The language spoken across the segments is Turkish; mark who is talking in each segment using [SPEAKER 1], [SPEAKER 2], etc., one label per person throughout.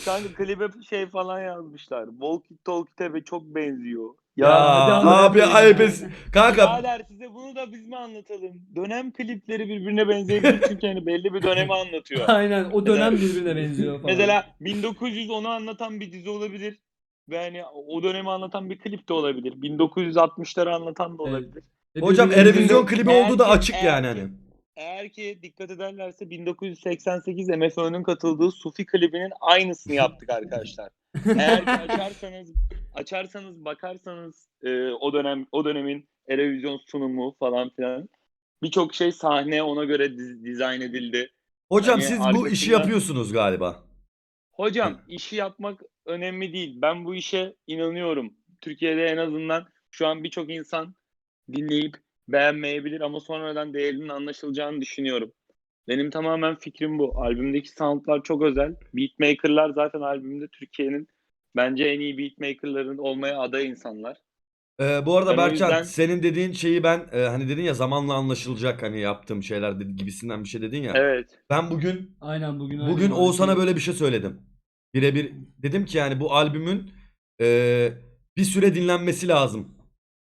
[SPEAKER 1] Kanka klibe şey falan yazmışlar. Walkie Talkie Tebe çok benziyor.
[SPEAKER 2] Ya
[SPEAKER 1] Ya
[SPEAKER 2] hadi
[SPEAKER 3] abi
[SPEAKER 2] anlatmayın
[SPEAKER 3] ayıp
[SPEAKER 2] ya.
[SPEAKER 3] kanka.
[SPEAKER 1] birader size bunu da biz mi anlatalım? Dönem klipleri birbirine benzeyebilir çünkü hani belli bir dönemi anlatıyor.
[SPEAKER 2] Aynen o
[SPEAKER 1] Mesela
[SPEAKER 2] dönem birbirine benziyor falan.
[SPEAKER 1] mesela 1910'u anlatan bir dizi olabilir. Ve hani o dönemi anlatan bir klip de olabilir. 1960'ları anlatan da
[SPEAKER 2] Evet.
[SPEAKER 1] olabilir.
[SPEAKER 2] Ve
[SPEAKER 3] Hocam
[SPEAKER 2] birbirlerinin
[SPEAKER 3] Erevizyon
[SPEAKER 1] Şimdi
[SPEAKER 3] klibi olduğu
[SPEAKER 1] eğer
[SPEAKER 3] da
[SPEAKER 1] ki
[SPEAKER 3] açık yani
[SPEAKER 1] eğer
[SPEAKER 3] hani.
[SPEAKER 1] ki eğer ki dikkat ederlerse 1988 MFÖ'nün katıldığı Sufi klibinin aynısını yaptık arkadaşlar. Eğer ki açarsanız bakarsanız o dönemin Erevizyon sunumu falan filan birçok şey sahne ona göre dizayn edildi.
[SPEAKER 3] Hocam
[SPEAKER 1] Hani
[SPEAKER 3] siz bu işi
[SPEAKER 1] arkasında
[SPEAKER 3] yapıyorsunuz galiba.
[SPEAKER 1] hocam işi yapmak önemli değil. Ben bu işe inanıyorum. Türkiye'de en azından şu an birçok insan dinleyip beğenmeyebilir ama sonradan değerinin anlaşılacağını düşünüyorum. Benim tamamen fikrim bu. Albümdeki soundlar çok özel. Beatmaker'lar zaten albümde Türkiye'nin bence en iyi beatmaker'ların olmaya aday insanlar.
[SPEAKER 3] Bu arada
[SPEAKER 1] Ben o
[SPEAKER 3] Berkcan
[SPEAKER 1] yüzden
[SPEAKER 3] senin dediğin şeyi ben hani dedin ya zamanla anlaşılacak hani yaptığım şeyler gibisinden bir şey dedin ya.
[SPEAKER 1] evet.
[SPEAKER 3] Ben bugün
[SPEAKER 2] Aynen bugün öyle
[SPEAKER 3] bugün
[SPEAKER 2] muhabbet
[SPEAKER 3] Oğuzhan'a
[SPEAKER 2] şey.
[SPEAKER 3] böyle bir şey söyledim. Birebir dedim ki yani bu albümün e, bir süre dinlenmesi lazım.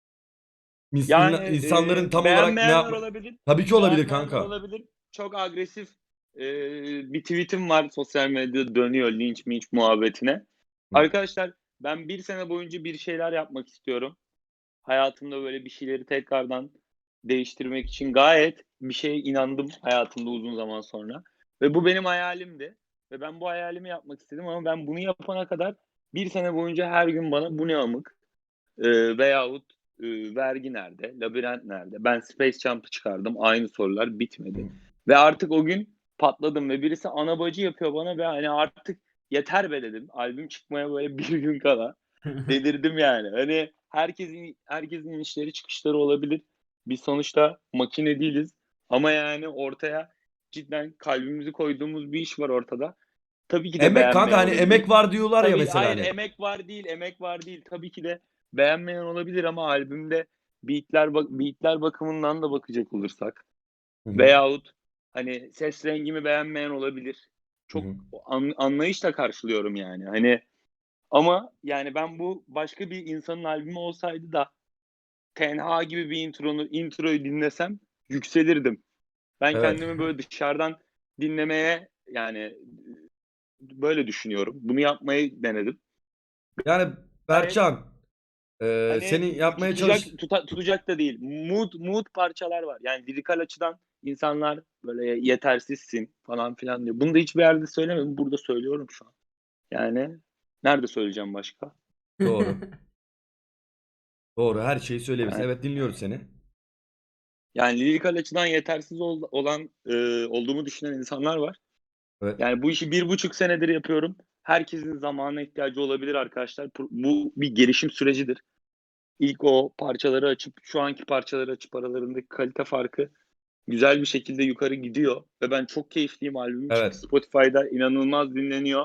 [SPEAKER 1] Yani
[SPEAKER 3] İnsanların tam olarak ne
[SPEAKER 1] beğenmeyenler
[SPEAKER 3] yapma...
[SPEAKER 1] olabilir.
[SPEAKER 3] Tabii ki olabilir
[SPEAKER 1] Beğenmeyenler
[SPEAKER 3] kanka.
[SPEAKER 1] olabilir. Çok agresif e, bir tweetim var sosyal medyada dönüyor linç minç muhabbetine.
[SPEAKER 3] Hı.
[SPEAKER 1] Arkadaşlar ben bir sene boyunca bir şeyler yapmak istiyorum. Hayatımda böyle bir şeyleri tekrardan değiştirmek için gayet bir şeye inandım hayatımda uzun zaman sonra. Ve bu benim hayalimdi. Ve ben bu hayalimi yapmak istedim ama ben bunu yapana kadar bir sene boyunca her gün bana bu ne amık veyahut vergi nerede, labirent nerede? Ben Space Jump'ı çıkardım. Aynı sorular bitmedi. Ve artık o gün patladım ve birisi ana bacı yapıyor bana ve hani artık yeter be dedim. Albüm çıkmaya böyle bir gün kala. Delirdim yani. Hani herkesin inişleri çıkışları olabilir. Biz sonuçta makine değiliz. Ama yani ortaya cidden kalbimizi koyduğumuz bir iş var ortada. Tabii ki de
[SPEAKER 3] Emek kanka
[SPEAKER 1] beğenmeyen
[SPEAKER 3] hani
[SPEAKER 1] olabilir.
[SPEAKER 3] emek var diyorlar ya
[SPEAKER 1] Tabii
[SPEAKER 3] mesela
[SPEAKER 1] hayır
[SPEAKER 3] hani.
[SPEAKER 1] emek var değil, emek var değil. Tabii ki de beğenmeyen olabilir ama albümde beatler bakımından da bakacak olursak
[SPEAKER 3] Hı hı.
[SPEAKER 1] veyahut hani ses rengimi beğenmeyen olabilir.
[SPEAKER 3] Hı
[SPEAKER 1] Çok
[SPEAKER 3] hı.
[SPEAKER 1] anlayışla karşılıyorum yani. Hani ama yani ben bu başka bir insanın albümü olsaydı da Tenha gibi bir introyu dinlesem yükselirdim. Ben
[SPEAKER 3] Evet.
[SPEAKER 1] kendimi böyle dışarıdan dinlemeye yani böyle düşünüyorum. Bunu yapmayı denedim.
[SPEAKER 3] Yani
[SPEAKER 1] Gayet
[SPEAKER 3] Berkcan
[SPEAKER 1] hani
[SPEAKER 3] senin yapmaya
[SPEAKER 1] tutacak
[SPEAKER 3] çalış...
[SPEAKER 1] tutacak da değil. Mood parçalar var. Yani lirikal açıdan insanlar böyle yetersizsin falan filan diyor. Bunu da hiçbir yerde söylemedim. Burada söylüyorum şu an. Yani nerede söyleyeceğim başka?
[SPEAKER 3] Doğru. Doğru her şeyi söyleyebilirsin.
[SPEAKER 1] Yani
[SPEAKER 3] Evet dinliyoruz seni.
[SPEAKER 1] yani lirikal açıdan yetersiz olan olduğumu düşünen insanlar var.
[SPEAKER 3] Evet.
[SPEAKER 1] Yani bu işi 1,5 senedir yapıyorum. Herkesin zamana ihtiyacı olabilir arkadaşlar. Bu bir gelişim sürecidir. İlk o parçaları açıp şu anki parçaları açıp aralarındaki kalite farkı güzel bir şekilde yukarı gidiyor. Ve ben çok keyifliyim. Albümüm çıktı
[SPEAKER 3] Evet.
[SPEAKER 1] Spotify'da inanılmaz dinleniyor.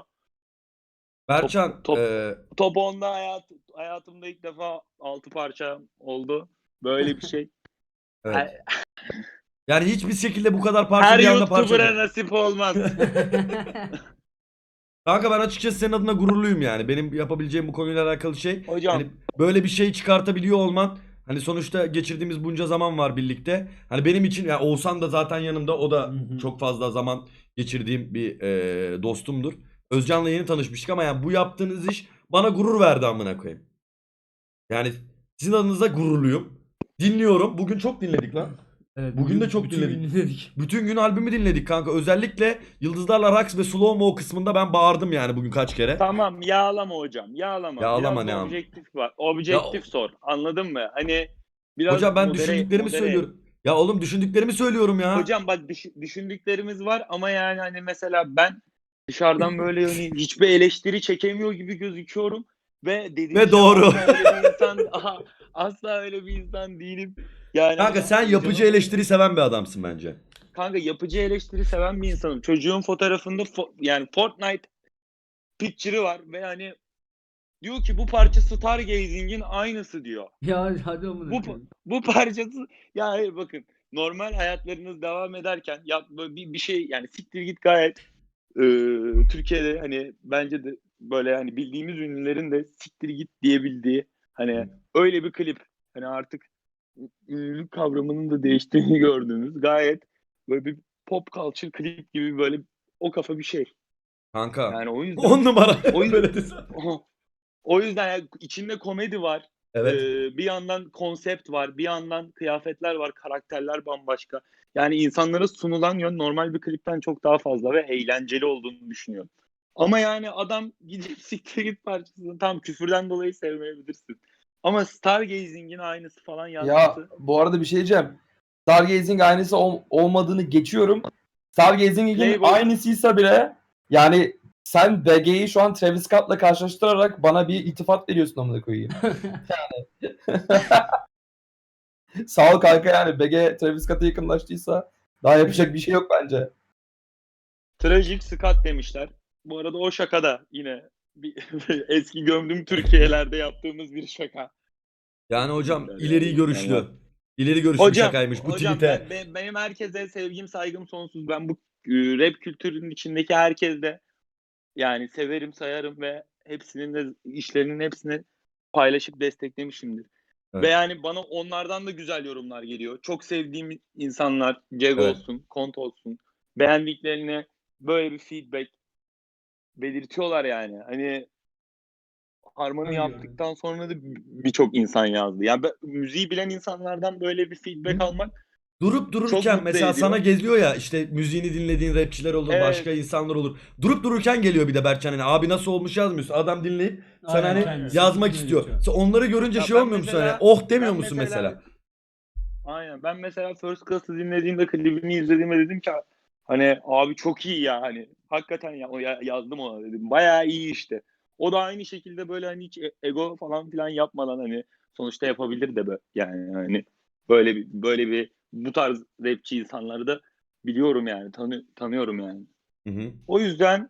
[SPEAKER 1] Top
[SPEAKER 3] Berkcan
[SPEAKER 1] top top 10'da hayatımda ilk defa 6 parça oldu. Böyle bir şey.
[SPEAKER 3] evet. Yani hiçbir şekilde bu kadar parça
[SPEAKER 1] Her
[SPEAKER 3] bir anda parça
[SPEAKER 1] YouTuber'a
[SPEAKER 3] olacak.
[SPEAKER 1] nasip olmaz.
[SPEAKER 3] Kanka ben açıkçası senin adına gururluyum yani. Benim yapabileceğim bu konuyla alakalı şey. Hani
[SPEAKER 1] Hocam
[SPEAKER 3] böyle bir şey çıkartabiliyor olman. Hani sonuçta geçirdiğimiz bunca zaman var birlikte. Hani benim için yani Oğuzhan da zaten yanımda. O
[SPEAKER 2] Hı
[SPEAKER 3] da
[SPEAKER 2] hı.
[SPEAKER 3] çok fazla zaman geçirdiğim bir dostumdur. Özcan'la yeni tanışmıştık ama yani bu yaptığınız iş bana gurur verdi amına koyayım. Yani sizin adınıza gururluyum. Dinliyorum. Bugün çok dinledik lan.
[SPEAKER 2] Evet
[SPEAKER 3] Bugün de
[SPEAKER 2] bugün
[SPEAKER 3] çok
[SPEAKER 2] bütün gün
[SPEAKER 3] dinledik.
[SPEAKER 2] dinledik.
[SPEAKER 3] Bütün gün albümü dinledik kanka. Özellikle Yıldızlarla Raks ve Slow Mo kısmında ben bağırdım yani bugün kaç kere.
[SPEAKER 1] tamam yağlama hocam.
[SPEAKER 3] Ya
[SPEAKER 1] Yağlama.
[SPEAKER 3] ağlama
[SPEAKER 1] Biraz
[SPEAKER 3] ne
[SPEAKER 1] da
[SPEAKER 3] am.
[SPEAKER 1] objektif var.
[SPEAKER 3] Ya
[SPEAKER 1] Objektif sor. Anladın mı? Hani biraz
[SPEAKER 3] hocam ben düşündüklerimi
[SPEAKER 1] modere et.
[SPEAKER 3] söylüyorum. Ya oğlum düşündüklerimi söylüyorum ya.
[SPEAKER 1] Hocam bak düşündüklerimiz var ama yani hani mesela ben dışarıdan böyle hani hiçbir eleştiri çekemiyor gibi gözüküyorum ve dediğim
[SPEAKER 3] Ve
[SPEAKER 1] şey
[SPEAKER 3] doğru.
[SPEAKER 1] asla öyle bir insan asla öyle bir insan değilim. Yani
[SPEAKER 3] Kanka
[SPEAKER 1] hani
[SPEAKER 3] sen yapıcı
[SPEAKER 1] canımın
[SPEAKER 3] eleştiri seven bir adamsın bence.
[SPEAKER 1] kanka yapıcı eleştiri seven bir insanım. Çocuğun fotoğrafında yani Fortnite picture'ı var ve hani diyor ki bu parça Stargazing'in aynısı diyor.
[SPEAKER 2] Ya hadi amına
[SPEAKER 1] Bu
[SPEAKER 2] koyayım.
[SPEAKER 1] bu parçası ya hayır bakın normal hayatlarınız devam ederken ya böyle bir şey yani siktir git gayet Türkiye'de hani bence de böyle hani bildiğimiz ünlülerin de siktir git diyebildiği hani öyle bir klip. Hani artık ünlülük kavramının da değiştiğini gördüğünüz gayet böyle bir pop culture klip gibi böyle o kafa bir şey.
[SPEAKER 3] Kanka.
[SPEAKER 1] Yani o
[SPEAKER 3] 10
[SPEAKER 1] yüzden
[SPEAKER 3] numara.
[SPEAKER 1] o yüzden
[SPEAKER 3] Böyle desem.
[SPEAKER 1] o yüzden yani içinde komedi var.
[SPEAKER 3] Evet.
[SPEAKER 1] Bir yandan konsept var, bir yandan kıyafetler var, karakterler bambaşka. Yani insanlara sunulan yön normal bir klipten çok daha fazla ve eğlenceli olduğunu düşünüyorum. Ama yani adam gidip siktir git parçasını tam küfürden dolayı sevmeyebilirsin. Ama Stargazing'in aynısı falan
[SPEAKER 4] Ya
[SPEAKER 1] yazması
[SPEAKER 4] bu arada bir şey diyeceğim. Stargazing aynısı olmadığını geçiyorum. Stargazing'in
[SPEAKER 1] Playboy
[SPEAKER 4] aynısıysa bile yani sen BG'yi şu an Travis Scott'la karşılaştırarak bana bir iltifat veriyorsun amına koyayım. Sağ ol kanka yani BG Travis Scott'a yakınlaştıysa daha yapacak bir şey yok bence.
[SPEAKER 1] Tragic Scott demişler. Bu arada o şaka da yine bir, eski gömdüm Türkiye'lerde yaptığımız bir şaka.
[SPEAKER 3] Yani hocam
[SPEAKER 1] Yani,
[SPEAKER 3] ileri görüşlü.
[SPEAKER 1] yani
[SPEAKER 3] İleri görüşlü bir şakaymış. Bu
[SPEAKER 1] hocam
[SPEAKER 3] tweet'e.
[SPEAKER 1] benim herkese sevgim saygım sonsuz. Ben bu rap kültürünün içindeki herkesle yani severim sayarım ve hepsinin de işlerinin hepsini paylaşıp desteklemişimdir. Ve
[SPEAKER 3] Evet.
[SPEAKER 1] yani bana onlardan da güzel yorumlar geliyor. Çok sevdiğim insanlar, Jeg
[SPEAKER 3] Evet.
[SPEAKER 1] olsun, Kont olsun, beğendiklerini böyle bir feedback belirtiyorlar yani. Hani harmoni
[SPEAKER 2] Öyle
[SPEAKER 1] yaptıktan sonra da birçok insan yazdı. Yani müziği bilen insanlardan böyle bir feedback almak
[SPEAKER 3] Durup
[SPEAKER 1] çok
[SPEAKER 3] dururken
[SPEAKER 1] mutlu
[SPEAKER 3] mesela sana
[SPEAKER 1] ediyor.
[SPEAKER 3] geziyor ya işte müziğini dinlediğin rapçiler olur, başka
[SPEAKER 1] Evet.
[SPEAKER 3] insanlar olur. Durup dururken geliyor bir de Berkcan hani abi nasıl olmuş yazmıyorsun. Adam dinleyip sana
[SPEAKER 2] Aynen,
[SPEAKER 3] hani
[SPEAKER 2] kendisi
[SPEAKER 3] yazmak
[SPEAKER 2] fikrini
[SPEAKER 3] istiyor.
[SPEAKER 2] belirtiyor.
[SPEAKER 3] Sen onları görünce
[SPEAKER 1] Ya
[SPEAKER 3] şey olmuyor musun hani oh demiyor
[SPEAKER 1] ben
[SPEAKER 3] musun
[SPEAKER 1] mesela
[SPEAKER 3] mesela?
[SPEAKER 1] aynen ben mesela First Class'ı dinlediğimde klibini izlediğimde dedim ki hani abi çok iyi ya hani hakikaten ya, yazdım ona dedim. Bayağı iyi işte. O da aynı şekilde böyle hani hiç ego falan filan yapmadan hani sonuçta yapabilir de yani hani böyle bir bu tarz rapçi insanları da biliyorum yani tanıyorum yani.
[SPEAKER 3] Hı hı.
[SPEAKER 1] O yüzden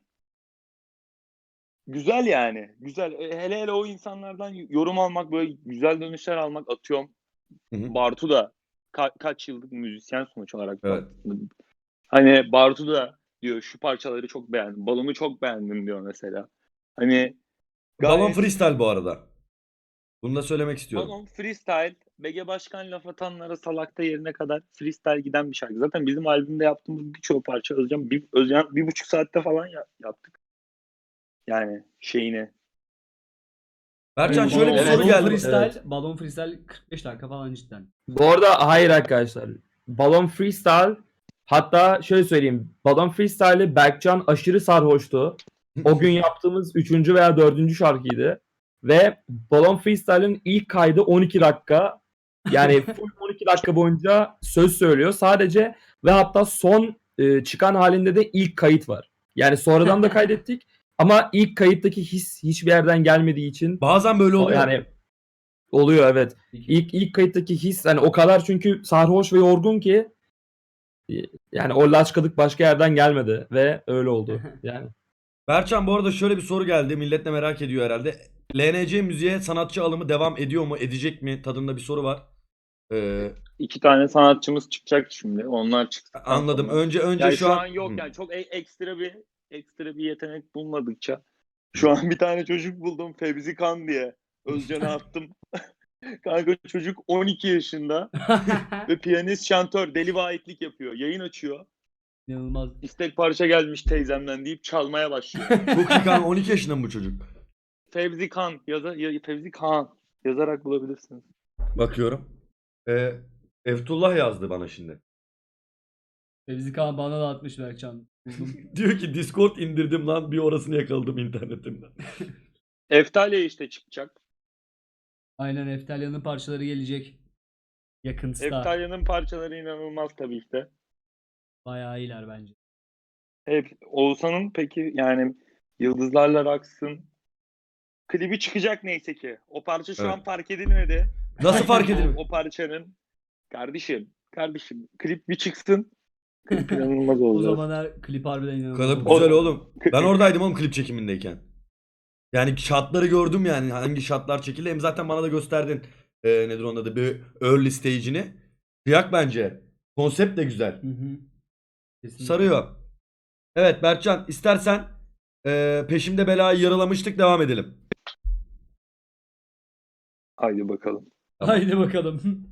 [SPEAKER 1] güzel yani. Güzel. Hele hele o insanlardan yorum almak, böyle güzel dönüşler almak atıyorum.
[SPEAKER 3] Hı hı.
[SPEAKER 1] Bartu da kaç yıllık müzisyen sonuç olarak
[SPEAKER 3] Evet.
[SPEAKER 1] baktığında. Hani Bartu da diyor şu parçaları çok beğendim. Balon'u çok beğendim diyor mesela. Hani
[SPEAKER 3] Balon
[SPEAKER 1] gayet
[SPEAKER 3] freestyle bu arada. Bunu da söylemek istiyorum.
[SPEAKER 1] Balon freestyle, BG Başkan laf atanlara salakta yerine kadar freestyle giden bir şarkı. Zaten bizim albümde yaptığımız birçok parça Özcan 1,5 saatte falan yaptık. Yani şeyini.
[SPEAKER 3] Berkcan
[SPEAKER 2] Evet,
[SPEAKER 3] şöyle bir soru
[SPEAKER 4] Evet,
[SPEAKER 3] geldi.
[SPEAKER 4] evet.
[SPEAKER 2] Balon freestyle 45 dakika falan cidden.
[SPEAKER 4] Bu arada hayır arkadaşlar. Balon Freestyle hatta şöyle söyleyeyim. Balon Freestyle'i Berkcan aşırı sarhoştu. O gün yaptığımız 3. veya 4. şarkıydı. Ve Balon Freestyle'ın ilk kaydı 12 dakika. Yani full 12 dakika boyunca söz söylüyor sadece ve hatta son çıkan halinde de ilk kayıt var. Yani sonradan da kaydettik ama ilk kayıttaki his hiçbir yerden gelmediği için
[SPEAKER 3] Bazen böyle oluyor.
[SPEAKER 4] yani oluyor evet. İlk kayıttaki his hani o kadar çünkü sarhoş ve yorgun ki yani o laçkalık başka yerden gelmedi ve öyle oldu. Yani
[SPEAKER 3] Berkcan bu arada şöyle bir soru geldi. Millet de merak ediyor herhalde. LNC müziğe sanatçı alımı devam ediyor mu? Edecek mi? Tadında bir soru var.
[SPEAKER 1] İki tane sanatçımız çıkacak şimdi. Onlar çıktıktan
[SPEAKER 3] Anladım.
[SPEAKER 1] sonra.
[SPEAKER 3] Önce
[SPEAKER 1] Yani
[SPEAKER 3] şu
[SPEAKER 1] şu
[SPEAKER 3] an
[SPEAKER 1] an yok yani çok ekstra bir yetenek bulmadıkça. Şu an bir tane çocuk buldum Fevzi Kan diye. Özcan'a attım. Kanka çocuk 12 yaşında ve piyanist şantör deli vahitlik yapıyor. Yayın açıyor.
[SPEAKER 2] İnanılmaz.
[SPEAKER 1] İstek parça gelmiş teyzemden deyip çalmaya başlıyor.
[SPEAKER 3] çok iyi kanka 12 yaşında mı bu çocuk?
[SPEAKER 1] Fevzi Kan yazarak bulabilirsiniz.
[SPEAKER 3] Bakıyorum. Eftullah yazdı bana şimdi.
[SPEAKER 2] Fevzi Kağan bana da atmış Berkcan. Buldum.
[SPEAKER 3] Diyor ki Discord indirdim lan bir orasını yakaladım internetimden.
[SPEAKER 1] Eftalya işte çıkacak.
[SPEAKER 2] Aynen Eftalya'nın parçaları gelecek. Yakınsta.
[SPEAKER 1] Eftalya'nın parçaları inanılmaz tabii ki de.
[SPEAKER 2] Bayağı iyiler bence.
[SPEAKER 1] Hep Oğuzhan'ın peki yani Yıldızlarla Raksın klibi çıkacak neyse ki. O parça şu
[SPEAKER 3] Evet.
[SPEAKER 1] an fark edilmedi.
[SPEAKER 3] Nasıl fark
[SPEAKER 1] O,
[SPEAKER 3] edilmiyor?
[SPEAKER 1] o parçanın kardeşim klip bir çıksın. Klip inanılmaz
[SPEAKER 2] O
[SPEAKER 1] olacak.
[SPEAKER 2] zamanlar klip harbiden inanılmaz
[SPEAKER 3] Klip
[SPEAKER 2] oldu.
[SPEAKER 3] güzel oğlum. Ben oradaydım oğlum klip çekimindeyken. Yani şartları gördüm yani hangi şartlar çekildi. Hem zaten bana da gösterdin. Nedir onun adı bir early stage'ini. Kıyak bence. Konsept de güzel.
[SPEAKER 2] Hı hı. Kesinlikle.
[SPEAKER 3] Sarıyor. Evet Berkcan istersen peşimde belayı yaralamıştık devam edelim.
[SPEAKER 1] Haydi bakalım.
[SPEAKER 3] Tamam.
[SPEAKER 2] Haydi bakalım.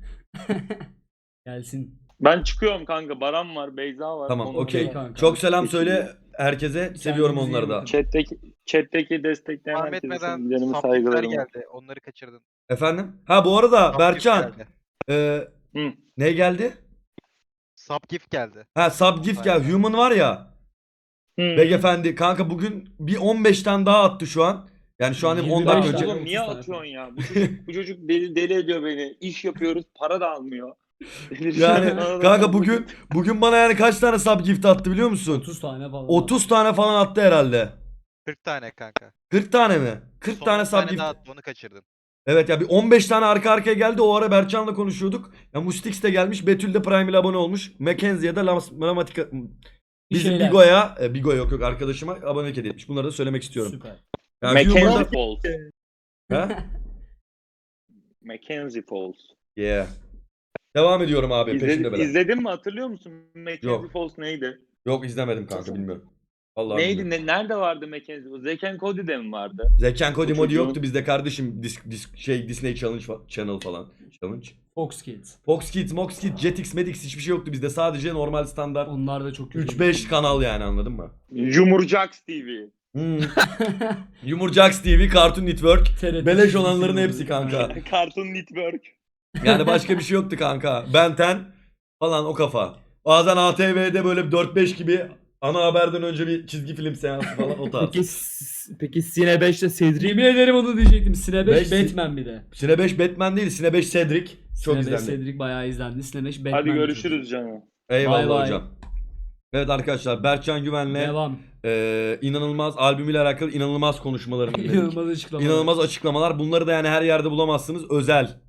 [SPEAKER 2] Gelsin.
[SPEAKER 1] Ben çıkıyorum kanka. Baran var, Beyza var.
[SPEAKER 3] Tamam
[SPEAKER 1] Onu
[SPEAKER 3] okey.
[SPEAKER 2] Okey kanka.
[SPEAKER 3] Çok selam
[SPEAKER 1] Geçiriyor.
[SPEAKER 3] söyle herkese. Seviyorum
[SPEAKER 2] Kendinize iyi
[SPEAKER 3] onları da.
[SPEAKER 2] bakın.
[SPEAKER 1] Chat'teki destekleyen
[SPEAKER 5] Devam
[SPEAKER 1] herkese
[SPEAKER 5] etmeden
[SPEAKER 1] sevgilerimi,
[SPEAKER 5] subgifler
[SPEAKER 1] saygılarımı.
[SPEAKER 5] geldi. Onları kaçırdın.
[SPEAKER 3] Efendim? Ha bu arada
[SPEAKER 5] Subgift
[SPEAKER 3] Berkcan
[SPEAKER 5] geldi.
[SPEAKER 1] Hı.
[SPEAKER 3] ne geldi?
[SPEAKER 5] Subgift geldi.
[SPEAKER 3] Ha subgift
[SPEAKER 5] Aynen.
[SPEAKER 3] gel. Human var ya.
[SPEAKER 1] Hı.
[SPEAKER 3] Beyefendi kanka bugün bir 15 tane daha attı şu an. Yani şu an 10
[SPEAKER 2] 25
[SPEAKER 3] dakika
[SPEAKER 1] Ya
[SPEAKER 3] önce.
[SPEAKER 1] oğlum niye
[SPEAKER 2] 30 tane
[SPEAKER 1] atıyorsun ya? Bu çocuk deli ediyor beni. İş yapıyoruz, para da almıyor.
[SPEAKER 3] Yani kanka bugün bana yani kaç tane subgift attı biliyor musun?
[SPEAKER 2] 30 tane falan.
[SPEAKER 3] 30 tane falan attı herhalde.
[SPEAKER 5] 40 tane kanka.
[SPEAKER 3] 40 tane mi? 40
[SPEAKER 5] Son
[SPEAKER 3] tane
[SPEAKER 5] 10 tane
[SPEAKER 3] subgift.
[SPEAKER 5] daha attı, onu kaçırdın.
[SPEAKER 3] Evet ya bir 15 tane arka arkaya geldi. O ara Berkcan'la konuşuyorduk. Ya Mustix de gelmiş. Betül de Prime ile abone olmuş. Mackenzie'ye de Lamatika bizim
[SPEAKER 2] şeyler.
[SPEAKER 3] Bigo'ya Bigo yok arkadaşıma abonelik hediye etmiş. Bunları da söylemek istiyorum.
[SPEAKER 2] Süper.
[SPEAKER 3] Yani
[SPEAKER 1] Mackenzie
[SPEAKER 3] Human'da...
[SPEAKER 1] Falls.
[SPEAKER 3] Ha?
[SPEAKER 1] Mackenzie Falls.
[SPEAKER 3] Yeah. Devam ediyorum abi peşinde bela.
[SPEAKER 1] İzledin mi? Hatırlıyor musun? Mackenzie
[SPEAKER 3] Yok.
[SPEAKER 1] Falls neydi?
[SPEAKER 3] Yok izlemedim kanka bilmiyorum. Vallahi
[SPEAKER 1] Neydi?
[SPEAKER 3] bilmiyorum.
[SPEAKER 1] Nerede vardı Mackenzie Falls? Zack and Cody'de mi vardı?
[SPEAKER 3] Zeken Cody
[SPEAKER 1] Bu
[SPEAKER 3] Modi
[SPEAKER 1] çocuğun-
[SPEAKER 3] yoktu bizde kardeşim. Disney Channel falan. Challenge.
[SPEAKER 2] Fox Kids.
[SPEAKER 3] Fox Kids, Mox Kids, Jetix, Medix hiçbir şey yoktu bizde. Sadece normal standart
[SPEAKER 2] Onlar da çok kötü.
[SPEAKER 3] 3-5 kanal yani anladın mı?
[SPEAKER 1] Yumurcaks TV.
[SPEAKER 3] Hmm. Yumurcaks TV, Cartoon Network.
[SPEAKER 2] TRT
[SPEAKER 3] Beleş
[SPEAKER 2] dizisi
[SPEAKER 3] olanların
[SPEAKER 2] var.
[SPEAKER 3] hepsi kanka.
[SPEAKER 1] Cartoon Network.
[SPEAKER 3] Yani başka bir şey yoktu kanka. Ben 10 falan o kafa. Bazen ATV'de böyle 4-5 gibi ana haberden önce bir çizgi film seansı falan o tarz.
[SPEAKER 4] Peki Sine 5'te Cedric
[SPEAKER 2] Yemin ederim onu diyecektim. Sine 5
[SPEAKER 3] Beş-
[SPEAKER 2] Batman bir de.
[SPEAKER 3] Sine 5 Batman değil, Sine 5 Cedric. Çok
[SPEAKER 2] Sine 5
[SPEAKER 3] izlendi.
[SPEAKER 2] Cedric bayağı izlendi. Sine 5 Batman.
[SPEAKER 1] Hadi
[SPEAKER 2] bir
[SPEAKER 1] görüşürüz canım.
[SPEAKER 3] Eyvallah
[SPEAKER 2] Bay bay.
[SPEAKER 3] hocam. Evet arkadaşlar Berkcan
[SPEAKER 2] çocuk.
[SPEAKER 3] Güven'le
[SPEAKER 2] Devam.
[SPEAKER 3] inanılmaz albümüyle alakalı inanılmaz konuşmalarını dinledik.
[SPEAKER 2] İnanılmaz açıklamalar.
[SPEAKER 3] İnanılmaz açıklamalar. Bunları da yani her yerde bulamazsınız. Özel